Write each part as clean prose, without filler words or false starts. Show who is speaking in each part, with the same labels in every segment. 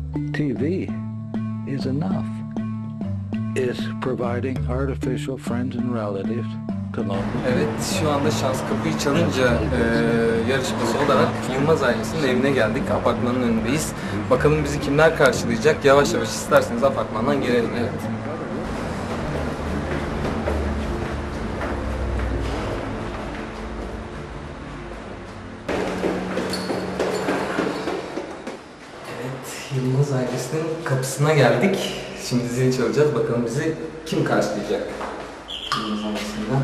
Speaker 1: TV is enough. It's providing artificial friends and relatives to lonely.
Speaker 2: Evet, şu anda şans kapıyı çalınca yarışması olarak Yılmaz ailesinin evine geldik. Apartmanın önündeyiz. Bakalım bizi kimler karşılayacak? Yavaş yavaş isterseniz apartmandan girelim. Evet. Yılmaz ailesinin kapısına geldik. Şimdi zil çalacağız. Bakalım bizi kim karşılayacak? Yılmaz ailesinden.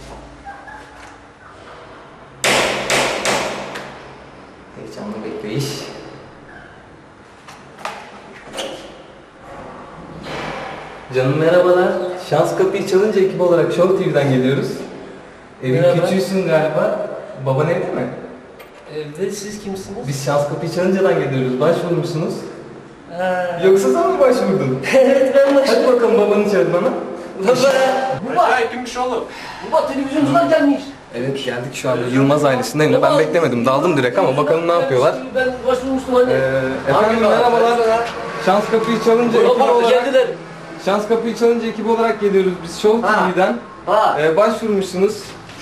Speaker 2: Heyecanlı bekleyiş. Canım merhabalar. Şans kapıyı çalınca ekip olarak Show TV'den geliyoruz. Evin küçüğüsün galiba. Baban evde mi?
Speaker 3: Evde, siz kimsiniz?
Speaker 2: Biz şans kapıyı çalıncadan geliyoruz. Başvurmuşsunuz. Yoksa sen mi başvurdun?
Speaker 3: Evet, ben başladım.
Speaker 2: Hadi bakalım babanı çağır bana.
Speaker 3: Baba!
Speaker 4: Kimmiş oğlum?
Speaker 3: Baba, televizyoncular gelmiş.
Speaker 2: Evet, geldik şu anda Yılmaz ailesindeyim. Ben beklemedim, daldım direkt ama bakalım ne yapıyorlar.
Speaker 3: Ben başvurmuştum anne.
Speaker 2: Efendim merhabalar. Şans kapıyı çalınca ekip
Speaker 3: Baba,
Speaker 2: olarak...
Speaker 3: geldiler.
Speaker 2: Şans kapıyı çalınca ekip olarak geliyoruz biz Show TV'den.
Speaker 3: Ha.
Speaker 2: Başvurmuşsunuz.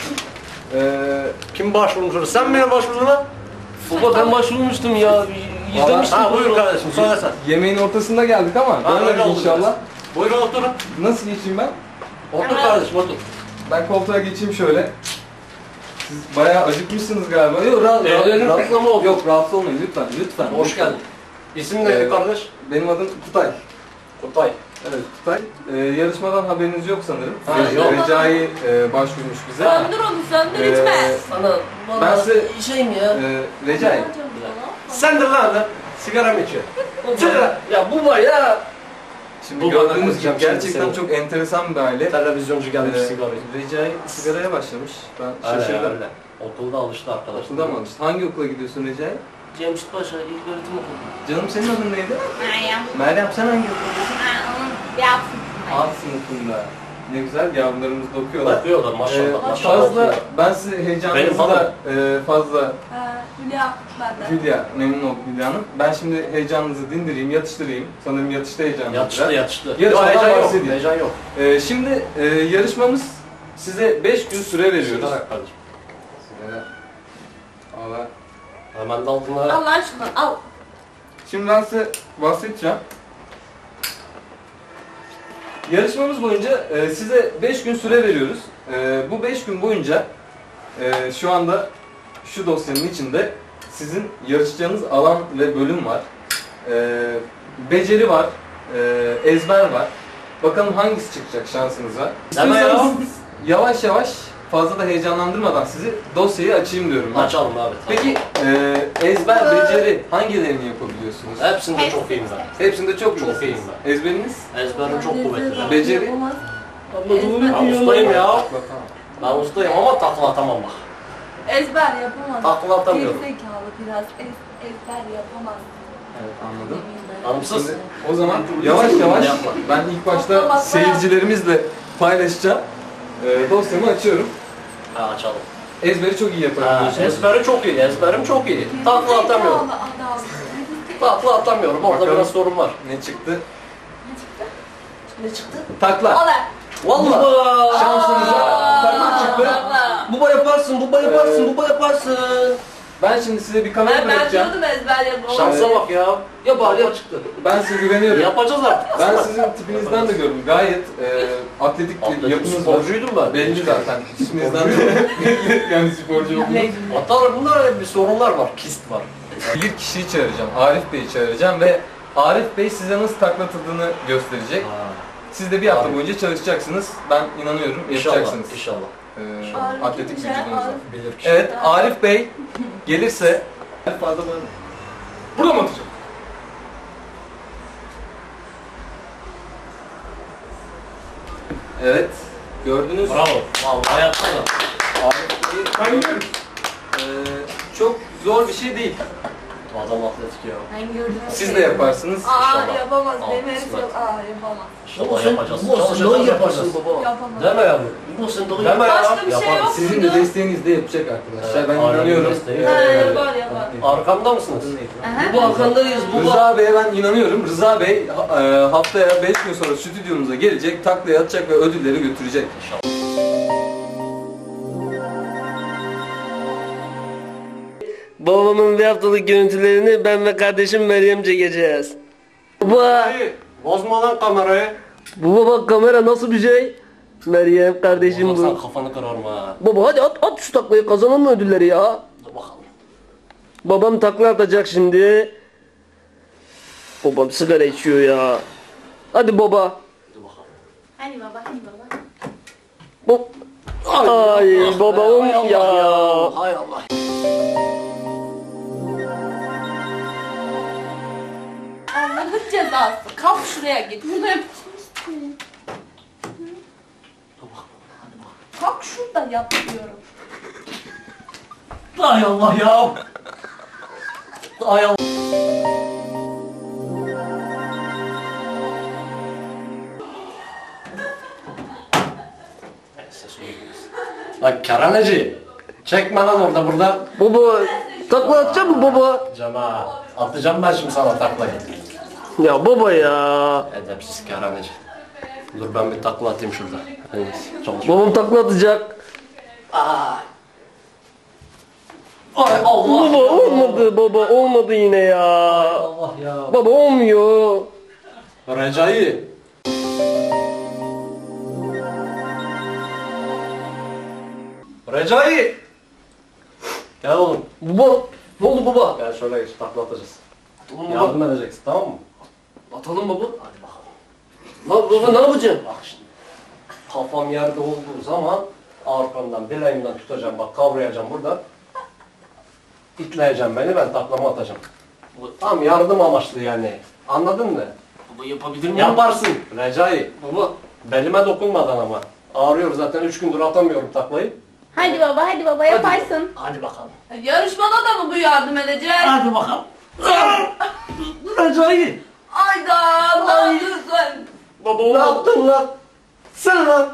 Speaker 4: Kim başvurmuş? Sen mi başvurdun lan?
Speaker 3: Baba, ben başvurmuştum ya. İzlemiştim.
Speaker 4: Ha buyur kardeşim, söyle sen.
Speaker 2: Yemeğin ortasında geldik ama
Speaker 4: öyle
Speaker 2: dönmedik
Speaker 4: oldu
Speaker 2: inşallah.
Speaker 4: biraz. Buyurun oturun.
Speaker 2: Nasıl geçeyim ben?
Speaker 4: Otur kardeşim, otur.
Speaker 2: Ben koltuğa geçeyim şöyle. Siz bayağı acıkmışsınız galiba. Yok,
Speaker 3: Rahatsız mı oldu?
Speaker 2: Yok, rahatsız olmayın lütfen, lütfen.
Speaker 4: Hoş geldin. İsim neydi kardeş?
Speaker 2: Benim adım Kutay.
Speaker 4: Kutay.
Speaker 2: Evet, Kutay. Yarışmadan haberiniz yok sanırım.
Speaker 4: Ha, yok.
Speaker 2: Recai başvurmuş bize.
Speaker 5: Söndür onu, söndür içme.
Speaker 3: Ana,
Speaker 2: Ben
Speaker 3: valla
Speaker 2: size-
Speaker 3: şeyim ya.
Speaker 2: Recai.
Speaker 4: Sendir lan da. Sigara mı içiyor? Sigara.
Speaker 3: Ya bu var ya.
Speaker 2: Şimdi
Speaker 4: Bu
Speaker 2: gördüğünüz gibi
Speaker 4: bakacağım
Speaker 2: gerçekten
Speaker 4: şimdi
Speaker 2: çok enteresan bir aile.
Speaker 4: Televizyoncu gelmiş sigara içiyor.
Speaker 2: Recai sigaraya başlamış. Ben
Speaker 4: Öyle
Speaker 2: şaşırdım.
Speaker 4: öyle. Okulda alıştı arkadaş.
Speaker 2: Okulda mı alıştın? Hangi okula gidiyorsun Recai?
Speaker 3: Cemşit Paşa İlköğretim Okulu.
Speaker 2: Canım senin adın neydi?
Speaker 5: Meryem.
Speaker 2: Meryem sen hangi okuldasın?
Speaker 5: Onun yapsın.
Speaker 2: Alt sınıfında. Ne güzel yavrularımız da okuyorlar.
Speaker 4: Bakıyorlar maşallah. Maşallah.
Speaker 2: Fazla, ben size heyecanınızı
Speaker 4: Benim
Speaker 2: da fazla
Speaker 5: Hülya benden.
Speaker 2: Hülya, memnun oldum Hülya Hanım. Ben şimdi heyecanınızı dindireyim, yatıştırayım. Sanırım yatışta heyecanınız
Speaker 4: Yatıştı
Speaker 2: biraz.
Speaker 4: yatıştı.
Speaker 2: Yarışmadan
Speaker 4: Heyecan yok.
Speaker 2: bahsedeyim.
Speaker 4: Heyecan yok.
Speaker 2: Şimdi yarışmamız size 5 gün süre veriyoruz.
Speaker 4: Sigara kardeşim.
Speaker 2: Sigara. Allah.
Speaker 4: Hemen de altına.
Speaker 5: Allah aşkına al.
Speaker 2: Şimdi ben size bahsedeceğim. Yarışmamız boyunca size 5 gün süre veriyoruz. Bu 5 gün boyunca şu anda şu dosyanın içinde sizin yarışacağınız alan ve bölüm var. Beceri var, ezber var. Bakalım hangisi çıkacak şansınıza.
Speaker 4: Hemen ya.
Speaker 2: İstiyorsanız yavaş yavaş fazla da heyecanlandırmadan sizi dosyayı açayım diyorum. ben.
Speaker 4: Açalım abi.
Speaker 2: Peki ezber, beceri hangilerini yapabiliyorsunuz?
Speaker 4: Hepsinde çok iyiyim ben.
Speaker 2: Hepsinde çok
Speaker 4: Çok iyiyim ben.
Speaker 2: Ezberiniz?
Speaker 4: Ezberim çok kuvvetli.
Speaker 2: Beceri?
Speaker 5: Yapamaz.
Speaker 4: Ben ustayım ya.
Speaker 2: Bakalım.
Speaker 4: Ben ustayım ama takla atamam bak.
Speaker 5: Ezber yapamaz.
Speaker 4: Takla atamıyorum.
Speaker 5: Gerizekalı biraz. Ezber yapamaz.
Speaker 2: Evet, anladım.
Speaker 4: Anımsız.
Speaker 2: Şimdi o zaman yavaş yavaş
Speaker 4: Yapma.
Speaker 2: ben ilk başta seyircilerimizle paylaşacağım. Dosyamı açıyorum.
Speaker 4: Ha açalım.
Speaker 2: Ezberi çok iyi
Speaker 4: Ha,
Speaker 2: yapabiliyorsunuz.
Speaker 4: ezberi çok iyi. Ezberim çok iyi. Takla atamıyorum.
Speaker 5: Adam.
Speaker 4: Takla atamıyorum. Orada
Speaker 2: Bakalım.
Speaker 4: biraz sorun var.
Speaker 2: Ne çıktı?
Speaker 3: Ne çıktı?
Speaker 2: Takla.
Speaker 5: Ola.
Speaker 4: Vallahi.
Speaker 2: Şansınıza takla çıktı.
Speaker 3: Baba yaparsın, baba yaparsın, baba yaparsın.
Speaker 2: Ben şimdi size bir kamera
Speaker 5: Ben
Speaker 2: bırakacağım.
Speaker 5: diyordum ezber yapamaz.
Speaker 4: Şansa bak ya.
Speaker 3: Ya bari
Speaker 4: Takla
Speaker 3: yap.
Speaker 4: çıktı.
Speaker 2: Ben size güveniyorum.
Speaker 4: Yapacağız artık.
Speaker 2: Ben sizin tipinizden de gördüm. Gayet atletik bir
Speaker 4: Atletik
Speaker 2: yapınız var.
Speaker 4: sporcuydum ben.
Speaker 2: Belli zaten. İsminizden de belli yani sporcu olduğunuz.
Speaker 4: Hatta bunda bir sorunlar var. Kist var.
Speaker 2: Bir kişiyi çağıracağım. Arif Bey'i çağıracağım ve Arif Bey size nasıl taklatıldığını gösterecek. Siz de bir hafta
Speaker 4: Arif.
Speaker 2: boyunca çalışacaksınız. Ben inanıyorum
Speaker 4: İnşallah.
Speaker 2: yapacaksınız.
Speaker 4: İnşallah.
Speaker 2: Atletik vücudunuz var.
Speaker 4: Bilir kişi.
Speaker 2: Evet, Arif Bey gelirse fazla böyle. Burada mı atacağım? Evet, gördünüz.
Speaker 4: Bravo. Vallahi yaptın da.
Speaker 2: Arif Bey, çok zor bir şey değil.
Speaker 3: Adam atletik ya.
Speaker 5: Ben gördüm.
Speaker 2: Siz de yaparsınız.
Speaker 5: Aa
Speaker 3: İnşallah.
Speaker 5: yapamaz.
Speaker 3: Al,
Speaker 5: Benim herif
Speaker 3: kısmet.
Speaker 5: yok. Aa yapamaz.
Speaker 3: İnşallah yapacağız.
Speaker 4: Bu
Speaker 3: Çalışacağız,
Speaker 4: sen
Speaker 3: yapacağız.
Speaker 4: yaparsın baba.
Speaker 5: Yapamaz.
Speaker 3: Deme yavrum. Bu sen doğru
Speaker 4: Deme ya.
Speaker 5: Başka bir şey
Speaker 3: Yaparız.
Speaker 5: yok.
Speaker 2: Sizin de desteğinizle yapacak arkadaşlar. Ben
Speaker 3: Aynen,
Speaker 2: inanıyorum.
Speaker 3: desteği.
Speaker 5: Ha
Speaker 2: Ee,
Speaker 5: yapar yapar.
Speaker 3: Arkamda mısınız?
Speaker 5: Aha.
Speaker 3: Bu arkandayız. Bu
Speaker 2: Rıza Bey'e ben inanıyorum. Rıza Bey haftaya 5 gün sonra stüdyomuza gelecek, taklaya atacak ve ödülleri götürecek.
Speaker 3: Babamın bir haftalık görüntülerini ben ve kardeşim Meryem çekeceğiz. Baba,
Speaker 4: Hayır. Bozma lan kamerayı.
Speaker 3: baba bak kamera nasıl bir şey? Meryem kardeşim
Speaker 4: Sen
Speaker 3: bu.
Speaker 4: kafanı kırarım ha.
Speaker 3: Baba hadi at şu taklayı, kazanalım ödülleri ya.
Speaker 4: Dur bakalım.
Speaker 3: Babam takla atacak şimdi. Babam sigara içiyor ya. Hadi baba.
Speaker 5: Hadi baba hadi baba.
Speaker 3: Bu... Ay babam ya.
Speaker 4: Hay Allah.
Speaker 5: Allah'ın cezası. Kalk şuraya git. Burada yapacaksın. Kalk şurada yap diyorum.
Speaker 4: Hay Allah ya. Hay Allah. Lan keraneci. Çekme lan orada burada.
Speaker 3: Baba takla atacak mı baba?
Speaker 4: Cama. Atacağım ben şimdi sana taklayı.
Speaker 3: Ya baba ya.
Speaker 4: Edepsiz keraneci. Dur ben bir takla atayım şurada. En iyisi. Çalış.
Speaker 3: Babam takla atacak.
Speaker 4: Ay Allah.
Speaker 3: Baba olmadı baba, olmadı yine ya.
Speaker 4: Allah ya.
Speaker 3: Baba olmuyor.
Speaker 4: Recai. Recai. Gel oğlum.
Speaker 3: Baba ne oldu baba?
Speaker 4: Gel şöyle geç takla atacağız.
Speaker 3: Atalım baba.
Speaker 4: Yardım edeceksin tamam mı?
Speaker 3: Atalım baba. Hadi bakalım. Lan baba ne yapacaksın?
Speaker 4: Bak şimdi. Kafam yerde olduğu zaman arkamdan bileğimden tutacağım bak kavrayacağım burada. İtleyeceğim beni ben taklama atacağım. Bu tam yardım amaçlı yani. Anladın mı?
Speaker 3: Baba yapabilir miyim?
Speaker 4: Yaparsın Recai.
Speaker 3: Baba.
Speaker 4: Belime dokunmadan ama. Ağrıyor zaten 3 gündür atamıyorum taklayı.
Speaker 5: Hadi baba yaparsın.
Speaker 4: Hadi bakalım.
Speaker 5: Yarışmada da mı bu yardım edecek?
Speaker 4: Hadi bakalım. Recai.
Speaker 5: Ayda Allah'ım lütfen.
Speaker 3: Baba
Speaker 4: Ne
Speaker 3: olmadı.
Speaker 4: yaptın lan? Sen lan.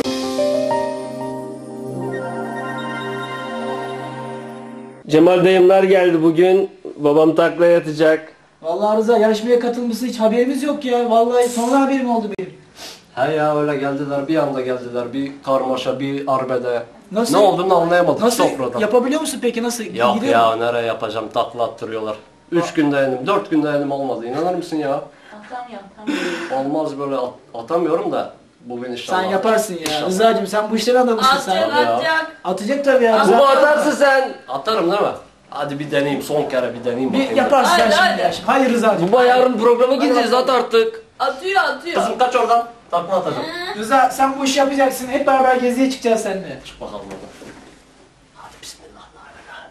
Speaker 3: Cemal dayımlar geldi bugün. Babam takla atacak.
Speaker 6: Vallahi Rıza yarışmaya katılması hiç haberimiz yok ya. Vallahi sonra haberim oldu benim.
Speaker 4: He ya öyle geldiler bir anda geldiler bir karmaşa bir arbede.
Speaker 6: Nasıl?
Speaker 4: Ne olduğunu anlayamadık
Speaker 6: Nasıl
Speaker 4: sofrada.
Speaker 6: yapabiliyor musun peki nasıl?
Speaker 4: Yok
Speaker 6: Gidiyor
Speaker 4: ya
Speaker 6: mu?
Speaker 4: nereye yapacağım takla attırıyorlar. 3 günde elim 4 günde elim olmadı inanır mısın ya?
Speaker 5: Atamıyorum.
Speaker 4: Olmaz böyle atamıyorum da bugün inşallah.
Speaker 6: Sen yaparsın ya.
Speaker 4: İnşallah.
Speaker 6: Rıza'cığım sen bu işlerin adamısın sen.
Speaker 5: Atacak
Speaker 4: ya.
Speaker 5: atacak.
Speaker 6: Atacak tabii ya. Rıza.
Speaker 3: Baba atarsın sen.
Speaker 4: Atarım değil mi? Hadi bir deneyeyim son kere bir deneyeyim
Speaker 6: Bir
Speaker 4: bakayım.
Speaker 6: yaparsın sen
Speaker 5: Hadi,
Speaker 6: şimdi
Speaker 5: hadi.
Speaker 6: ya. Hayır Rıza'cığım.
Speaker 3: Baba yarın programa gideceğiz, at artık.
Speaker 5: Atıyor atıyor.
Speaker 4: Kızım kaç oradan. Takla atacağım.
Speaker 6: Rıza sen bu işi yapacaksın. Hep beraber geziye çıkacağız seninle.
Speaker 4: Çık bakalım oradan. Hadi bismillahirrahmanirrahim.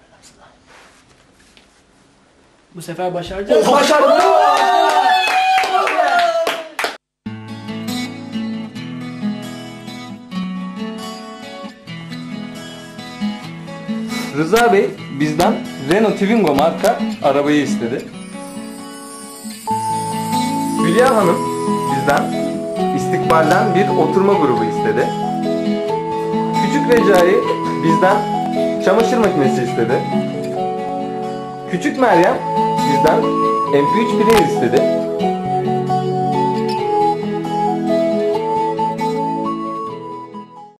Speaker 6: Bu sefer başaracağız.
Speaker 4: Oh, başardım.
Speaker 2: Rıza Bey bizden Renault Twingo marka arabayı istedi. Hülya Hanım bizden İstikbal'den bir oturma grubu istedi. Küçük Recai bizden çamaşır makinesi istedi. Küçük Meryem bizden MP3 player istedi.